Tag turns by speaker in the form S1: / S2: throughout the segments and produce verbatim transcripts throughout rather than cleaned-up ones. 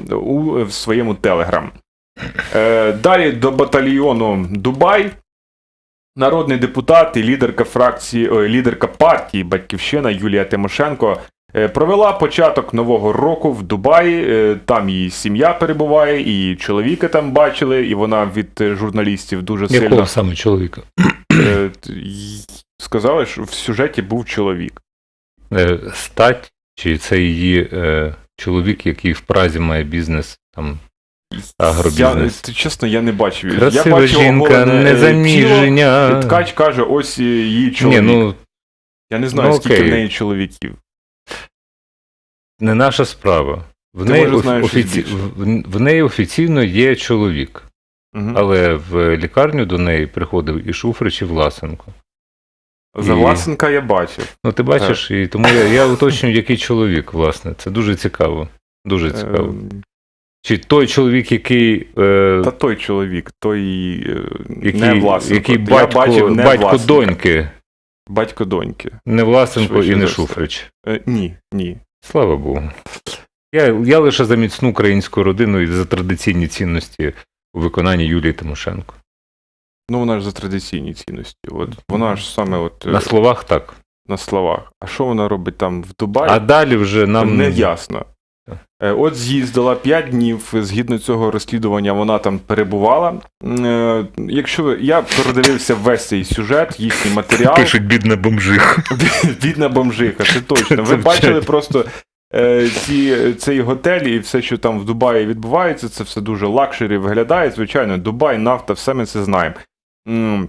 S1: у в своєму Телеграм. Е, далі до батальйону Дубай. Народний депутат і лідерка фракції, ой, лідерка партії «Батьківщина» Юлія Тимошенко е, провела початок нового року в Дубаї. Е, там її сім'я перебуває, і її чоловіка там бачили, і вона від журналістів дуже сильно...
S2: Якого саме чоловіка?
S1: Е, сказали, що в сюжеті був чоловік.
S2: Е, стать? Чи це її е, чоловік, який в Празі має бізнес, там, агробізнес?
S1: Я, чесно, я не бачив.
S2: Красива
S1: я бачив
S2: жінка,
S1: оголене,
S2: незаміження.
S1: тіло, і ткач каже, ось її чоловік.
S2: Ні, ну,
S1: я не знаю,
S2: ну,
S1: скільки
S2: окей.
S1: в неї чоловіків.
S2: Не наша справа. В
S1: Ти,
S2: неї,
S1: може,
S2: офі-
S1: знаєш
S2: офіці...
S1: щось більше.
S2: в... в неї офіційно є чоловік.
S1: Угу.
S2: Але в лікарню до неї приходив і Шуфрич, і Власенко.
S1: За
S2: і-
S1: Власенка я бачив.
S2: Ну, ти бачиш, і тому я, я уточнюю, який чоловік, власне. Це дуже цікаво. Дуже цікаво.
S1: Ем,
S2: Чи той чоловік, який, е,
S1: Та той чоловік, той е,
S2: який,
S1: не Власенко.
S2: який
S1: Я
S2: батько,
S1: бачив не
S2: батько
S1: Власенка.
S2: доньки,
S1: Батько доньки.
S2: не Власенко
S1: Швидше
S2: і не
S1: за все.
S2: Шуфрич.
S1: Е, ні, ні.
S2: Слава Богу. Я, я лише за міцну українську родину і за традиційні цінності у виконанні Юлії Тимошенко.
S1: Ну, вона ж за традиційні цінності. От, вона ж саме от, е,
S2: На словах так.
S1: на словах. А що вона робить там в Дубаї?
S2: А далі вже нам...
S1: Не ясно. Е, От з'їздила п'ять днів, згідно цього розслідування, вона там перебувала. Е, Якщо ви- я передивився весь цей сюжет, їхній матеріал.
S2: Пишуть бідна бомжиха.
S1: Бідна бомжиха, це точно. Ви
S2: Це
S1: бачили
S2: вчать.
S1: просто е, ці, цей готель і все, що там в Дубаї відбувається, це все дуже лакшері виглядає. Звичайно, Дубай, нафта, все ми це знаємо. М.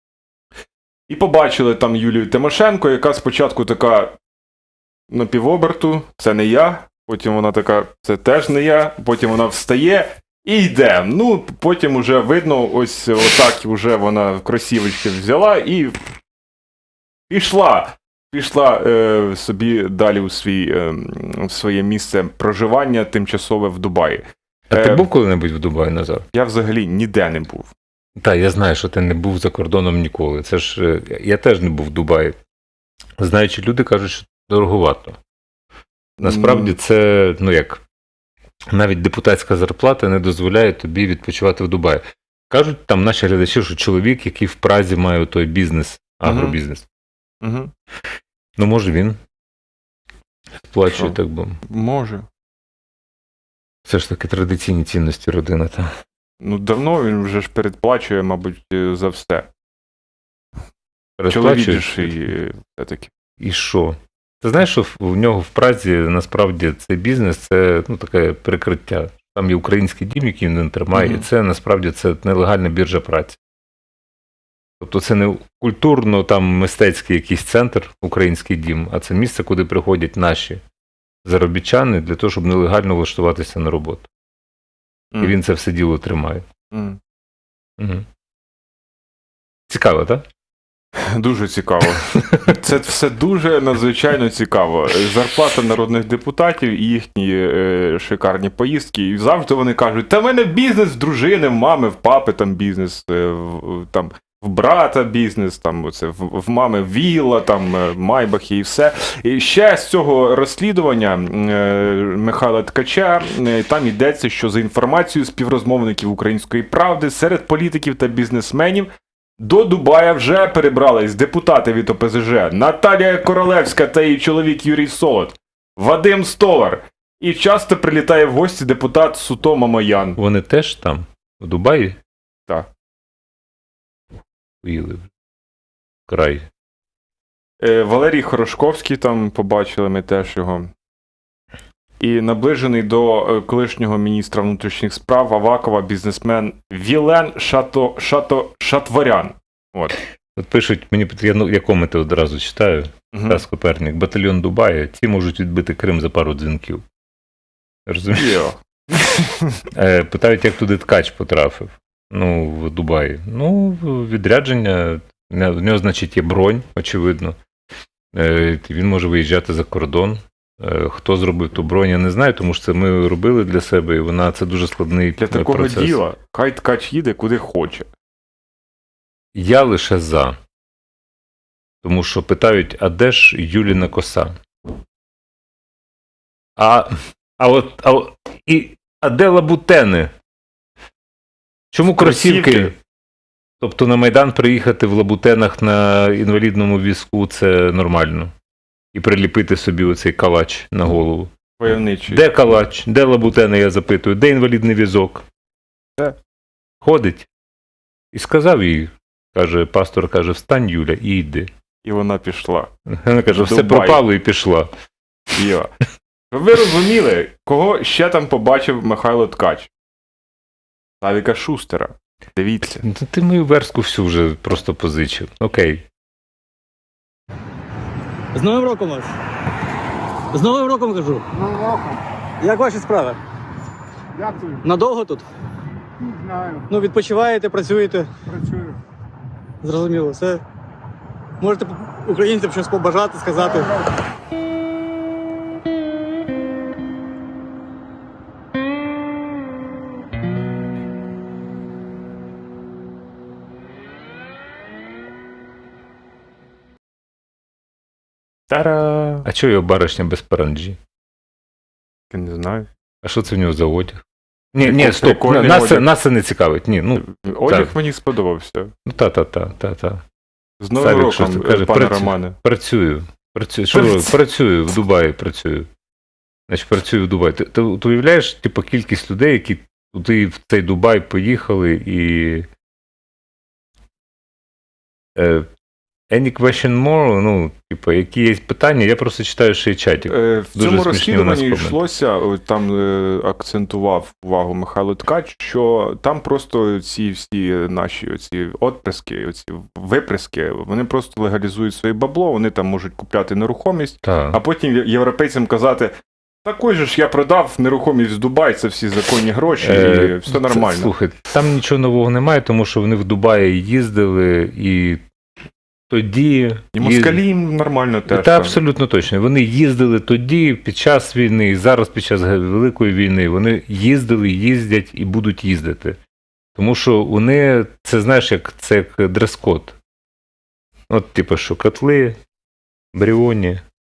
S1: І побачили там Юлію Тимошенко, яка спочатку така на півоберту, це не я. Потім вона така, це теж не я. Потім вона встає і йде. Ну, потім уже видно, ось отак вже вона кросівочки взяла і пішла. Пішла е, собі далі у свій, е, в своє місце проживання тимчасове в Дубаї.
S2: А ти
S1: Е,
S2: був коли-небудь в Дубаї, Назар?
S1: Я взагалі ніде не був.
S2: Так, я знаю, що ти не був за кордоном ніколи. Це ж е, я теж не був в Дубаї. Знаючи, люди кажуть, що дороговато. Насправді це, ну як, навіть депутатська зарплата не дозволяє тобі відпочивати в Дубаї. Кажуть там наші глядачі, що чоловік, який в Празі має той бізнес, агробізнес.
S1: Угу.
S2: Ну, може він сплачує,
S1: Що?
S2: так би.
S1: Може.
S2: Це ж таки традиційні цінності родини. Та.
S1: Ну, давно він вже ж передплачує, мабуть, е, за все. Чоловік
S2: Передплачує.
S1: ж і все-таки.
S2: І що? Ти знаєш, що в- в нього в Празі насправді цей бізнес це ну, таке прикриття. Там є український дім, який він тримає,
S1: Мгм.
S2: і це насправді це нелегальна біржа праці. Тобто це не культурно там мистецький якийсь центр, український дім, а це місце, куди приходять наші заробітчани для того, щоб нелегально влаштуватися на роботу. І
S1: М.
S2: він це все діло тримає.
S1: М.
S2: Угу. Цікаво, так?
S1: Дуже цікаво. Це все дуже надзвичайно цікаво. Зарплата народних депутатів і їхні е, шикарні поїздки. І завжди вони кажуть, та в мене бізнес в дружини, в мами, в папи там бізнес, е, в, там, в брата бізнес, там, оце, в, в мами вілла, там, е, майбахи і все. І ще з цього розслідування е, Михайла Ткача, е, там йдеться, що за інформацією співрозмовників «Української правди» серед політиків та бізнесменів до Дубая вже перебрались депутати від О Пе Зе Же Наталія Королевська та її чоловік Юрій Солод, Вадим Столар. І часто прилітає в гості депутат Суто Мамоян.
S2: Вони теж там, в Дубаї?
S1: Так.
S2: Поїли. Край.
S1: Е, Валерій Хорошковський там побачили ми теж його. І наближений до е, колишнього міністра внутрішніх справ Авакова бізнесмен Вілен Шато, Шато, Шатворян. От.
S2: От пишуть, мені я, ну, я коменти одразу читаю.
S1: Угу.
S2: Тарас Коперник, батальйон Дубая, ці можуть відбити Крим за пару дзвінків. Розумієш?
S1: Йо.
S2: Е, питають, як туди Ткач потрапив. Ну, в Дубаї. Ну, відрядження, в нього, значить, є бронь, очевидно. Е, він може виїжджати за кордон. Е, хто зробив ту бронь, я не знаю, тому що це ми робили для себе, і вона, це дуже складний
S1: Для такого
S2: процес.
S1: діла хай Ткач їде куди хоче.
S2: Я лише за. Тому що питають, а де ж Юліна коса? А, а от, а, от- і, А де лабутени? Чому кросівки?
S1: Кросівки.
S2: Тобто на Майдан приїхати в лабутенах на інвалідному візку – це нормально. І приліпити собі оцей калач на голову.
S1: Войовничий.
S2: Де калач? Де лабутени, я запитую? Де інвалідний візок?
S1: Де?
S2: Ходить. І сказав їй, каже, пастор каже, встань, Юля, і йди.
S1: І вона пішла.
S2: Вона каже, все
S1: Дубай.
S2: пропало і пішла.
S1: Йо. Щоб ви розуміли, кого ще там побачив Михайло Ткач? Савіка Шустера. Дивіться.
S2: Ну, ти мою верстку всю вже просто позичив. Окей.
S3: З Новим роком вас! З Новим роком кажу.
S4: Новим роком.
S3: Як ваші справи?
S4: Дякую.
S3: Надовго тут?
S4: Не знаю.
S3: Ну, відпочиваєте, працюєте.
S4: Працюю.
S3: Зрозуміло, все. Можете українцям щось побажати, сказати.
S1: Та-ра!
S2: А чого його баришня без паранджі?
S1: Я не знаю.
S2: А що це в нього за одяг? Ні,
S1: Прикол-
S2: ні, стоп,
S1: прикольний
S2: нас, це-
S1: одяг.
S2: нас це не цікавить. Ні, ну,
S1: Одяг
S2: так.
S1: мені сподобався.
S2: ну та-та-та, та-та.
S1: З Новим
S2: Савік
S1: роком,
S2: Шустер каже,
S1: пане
S2: працю-
S1: Романе.
S2: Працюю. Працюю. Що
S1: Працю-
S2: ви? Працюю, в Дубаї працюю. Значить, працюю в Дубаї. Ти, ти, ти уявляєш, типу, кількість людей, які туди в цей Дубай поїхали і. Е, any question more? Ну, типу, які є питання, я просто читаю ще й чатик.
S1: Е, В
S2: Дуже
S1: цьому
S2: смішні у нас
S1: розслідуванні
S2: коменти.
S1: йшлося, о, там е, акцентував увагу Михайло Ткач, що там просто ці всі наші оці отприски, оці виприски, вони просто легалізують своє бабло, вони там можуть купляти нерухомість,
S2: Так.
S1: а потім європейцям казати, такой же ж я продав нерухомість в Дубай, це всі законні гроші, і
S2: Е,
S1: все
S2: це-
S1: нормально.
S2: Слухай, там нічого нового немає, тому що вони в Дубаї їздили і тоді.
S1: І москалі їм нормально теж.
S2: Та
S1: там.
S2: абсолютно точно. Вони їздили тоді, під час війни, і зараз під час Великої війни. Вони їздили, їздять і будуть їздити. Тому що вони, це знаєш, як це як дрес-код. От, типу, що котли, Бріоні,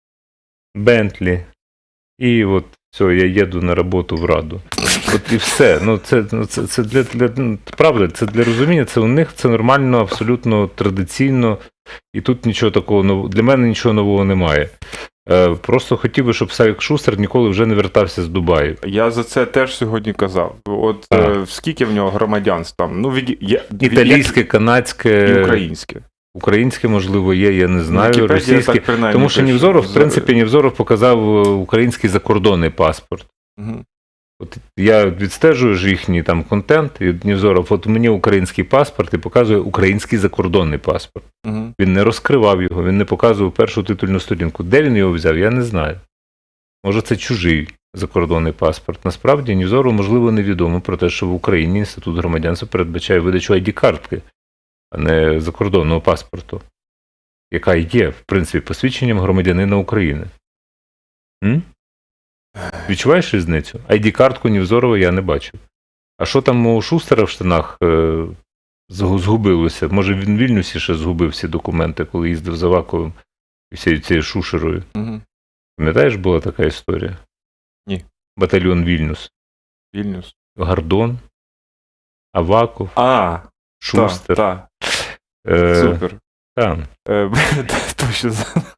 S2: Бентлі, і от все, я їду на роботу в Раду. От і все. Ну, це, ну, це, це для, для ну, правда, це для розуміння, це у них це нормально, абсолютно традиційно. І тут нічого такого нового, для мене нічого нового немає. Е, просто хотів би, щоб Савік Шустер ніколи вже не вертався з Дубаю.
S1: Я за це теж сьогодні казав. От
S2: А.
S1: е, скільки в нього громадянств там? Ну, від, є,
S2: Італійське, канадське,
S1: і українське.
S2: українське, можливо, є, я не знаю,
S1: Вікіпедія
S2: російське.
S1: так принаймні
S2: Тому що
S1: пише.
S2: Нівзоров, в
S1: За-
S2: принципі, Нівзоров показав е, український закордонний паспорт.
S1: Мгм.
S2: От я відстежую ж їхній там контент, і Нівзоров, от мені український паспорт і показує український закордонний паспорт.
S1: Мгм.
S2: Він не розкривав його, він не показував першу титульну сторінку. Де він його взяв, я не знаю. Може, це чужий закордонний паспорт. Насправді, Нівзору, можливо, невідомо про те, що в Україні інститут громадянства передбачає видачу ай ді-картки, а не закордонного паспорту, яка є, в принципі, посвідченням громадянина України. М? Відчуваєш різницю? ай ді-картку Нівзорова я не бачив. А що там у Шустера в штанах е, згу- згубилося? Може, він в Вільнюсі ще згубив всі документи, коли їздив за Аваковим і всією цією Шушерою.
S1: Мгм.
S2: Пам'ятаєш, була така історія?
S1: Ні.
S2: Батальйон Вільнюс.
S1: Вільнюс.
S2: Гордон, Аваков,
S1: А,
S2: Шустер.
S1: так,
S2: Е,
S1: супер.
S2: та.
S1: Е, Точно.